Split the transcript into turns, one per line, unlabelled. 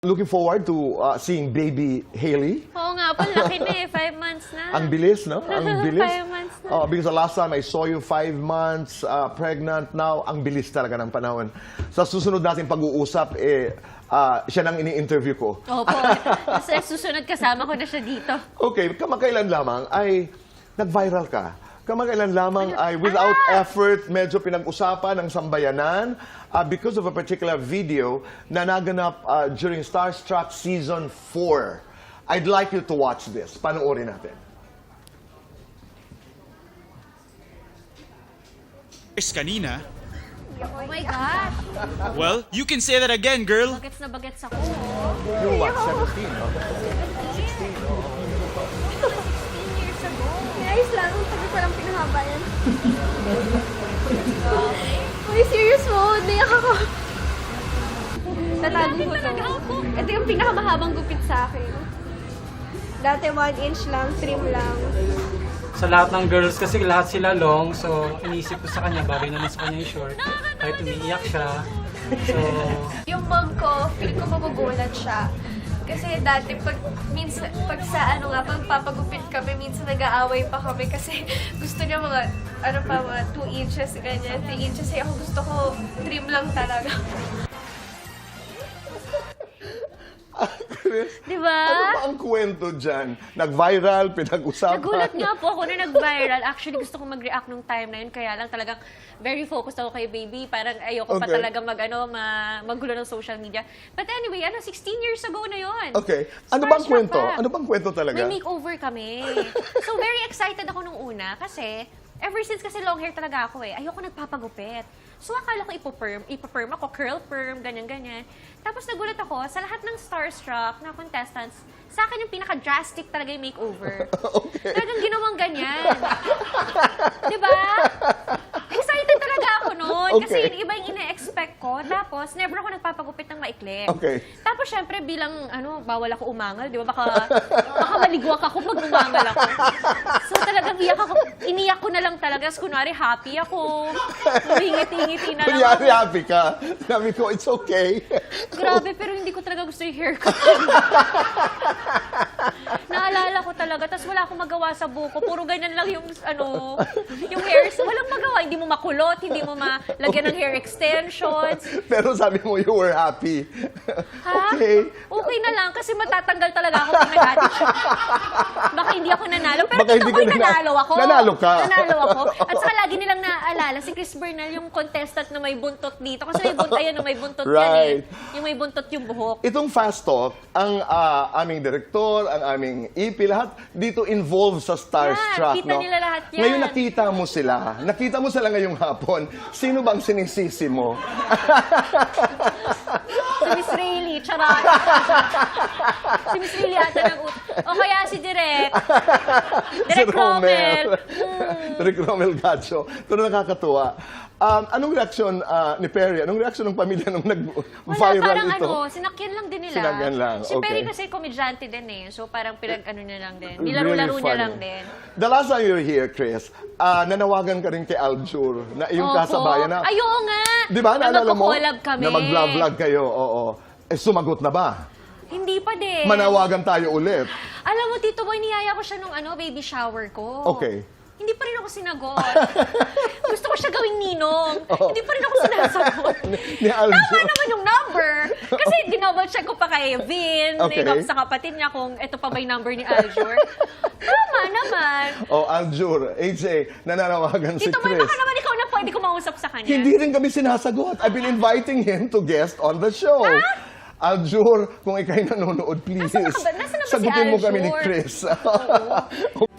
Looking forward to seeing baby Hailey.
Oo nga po, laki na eh. 5 months na.
Ang bilis, no? Ang bilis.
5 months na.
Because the last time I saw you 5 months pregnant, now ang bilis talaga ng panahon. Sa susunod natin pag-uusap, siya nang ini-interview ko.
Opo. Sa susunod kasama ko na siya dito.
Okay, kamakailan lamang ay nag-viral ka. Kamakailan lamang ay without effort, medyo pinag-usapan ng sambayanan because of a particular video na naganap during Starstruck Season 4. I'd like you to watch this. Panoorin natin.
Kanina.
Oh my God.
Well, you can say that again, girl.
Bagets na bagets ako.
You're what, 17, no?
16 years ago.
Ayos lang, pag parang pinahaba yan. Uy, serious mo, naiyak ako. Tatago ko to. Ito yung pinakamahabang gupit sa akin. Dati 1 inch lang, trim lang.
Sa lahat ng girls kasi lahat sila long, so inisip ko sa kanya, bagay naman sa kanya yung short. Kahit umiiyak siya. So,
Yung mom ko, feeling ko magugulat siya. Kasi dati, pag sa pagpapagupit kami, minsan nag-aaway pa kami kasi gusto niya mga 2 inches, ganyan, 3 inches. Eh, ako gusto ko, trim lang talaga.
Diba?
Ano ba ang kwento dyan? Nag-viral, pinag-usapan?
Nagulat nga po ako na nag-viral. Actually, gusto kong mag-react nung time na yun. Kaya lang talagang very focused ako kay baby. Parang ayoko pa
Okay.
talaga magulo ng social media. But anyway, 16 years ago na yun.
Okay. Ano bang
Starstruck
kwento?
pa.
Ano bang kwento talaga?
May makeover kami. So, very excited ako nung una kasi ever since kasi long hair talaga ako eh. Ayoko nagpapagupit. So, akala ko ipo-perm ako, curl perm, ganyan-ganyan. Tapos nagulat ako, sa lahat ng Starstruck na contestants, sa akin yung pinaka-drastic talaga yung makeover.
Okay.
Talagang ginawang ganyan. Diba? Excited talaga ako noon. Kasi
Okay.
yun, iba yung ina-expect ko. Tapos, never ako nagpapagupit ng maikli.
Okay.
Tapos, syempre, bilang, bawal ako umangal, di ba? Baka maligwak ako pag umangal ako. So, talagang iniyak ko na lang talaga. Tapos, kunwari, happy ako. Ngiti-ngiti na lang
Kunyari,
ako.
happy ka. Sabi ko, it's okay.
Grabe, pero hindi ko talaga gusto yung haircut. Naalala ko talaga, tapos wala akong magawa sa buko. Puro ganyan lang yung, yung hairs. Walang magawa. Hindi mo makulot, hindi mo malagyan ng hair extensions.
Pero sabi mo, you were happy.
Ha?
Okay.
Okay na lang, kasi matatanggal talaga ako pag nag-attitude. Baka hindi ako nanalo. Pero
Baka hindi
totoo,
ka
nanalo ako.
Nanalo ka.
Nanalo ako. At saka lagi nilang naaalala, si Chris Bernal, yung contestant na may buntot dito. Kasi may buntot yan, may buntot yan
Right.
eh. Yung may buntot yung buhok.
Itong Fast Talk, ang aming direktor, ang aming EP, lahat dito involved sa Starstruck.
Yan, kita nila lahat yan.
Ngayon nakita mo sila. Nakita mo sila ngayong hapon. Sino bang sinisisi mo?
Si Miss Rayleigh, charot. Si Miss Rayleigh ata o kaya si Direk. Direk Rommel.
Direk Rommel Gacho. Pero nakakatuwa. Anong reaksyon ni Perry? Anong reaksyon ng pamilya nung nag-viral
parang
ito?
sinakyan lang din nila.
Sinakyan lang,
Si Perry
okay.
kasi komedyante din eh. So parang niya lang din. Nilaro-laro niya
funny.
lang din.
The last time you were here, Chris, nanawagan ka rin kay Aljur na iyong
Opo.
kasabayan na.
Ay, oo nga.
Di ba?
Na
Naalala mo?
magko-collab kami.
Na mag-vlog kayo, oo. Sumagot na ba?
Hindi pa din.
Manawagan tayo ulit.
Alam mo, Tito Boy, niyaya ko siya nung baby shower ko.
Okay.
Hindi pa rin ako sinagot. Gusto ko siya gawing ninong.
Oo.
Hindi pa rin ako sinasagot.
Ni Aljur.
Tama naman yung number. Kasi dinouble check ko pa kay Vin,
Okay.
sa kapatid niya kung ito pa ba yung number ni Aljur. Tama naman.
Oh, Aljur, AJ, nananawagan si
Tito Boy,
Chris.
baka naman ikaw na pwede ko mausap sa kanya.
Hindi rin kami sinasagot. I've been inviting him to guest on the show. Aljur, kung ikay nanonood, please.
Nasaan na ba si
Sagutin mo kami ni
Aljur?
Chris.
Oo.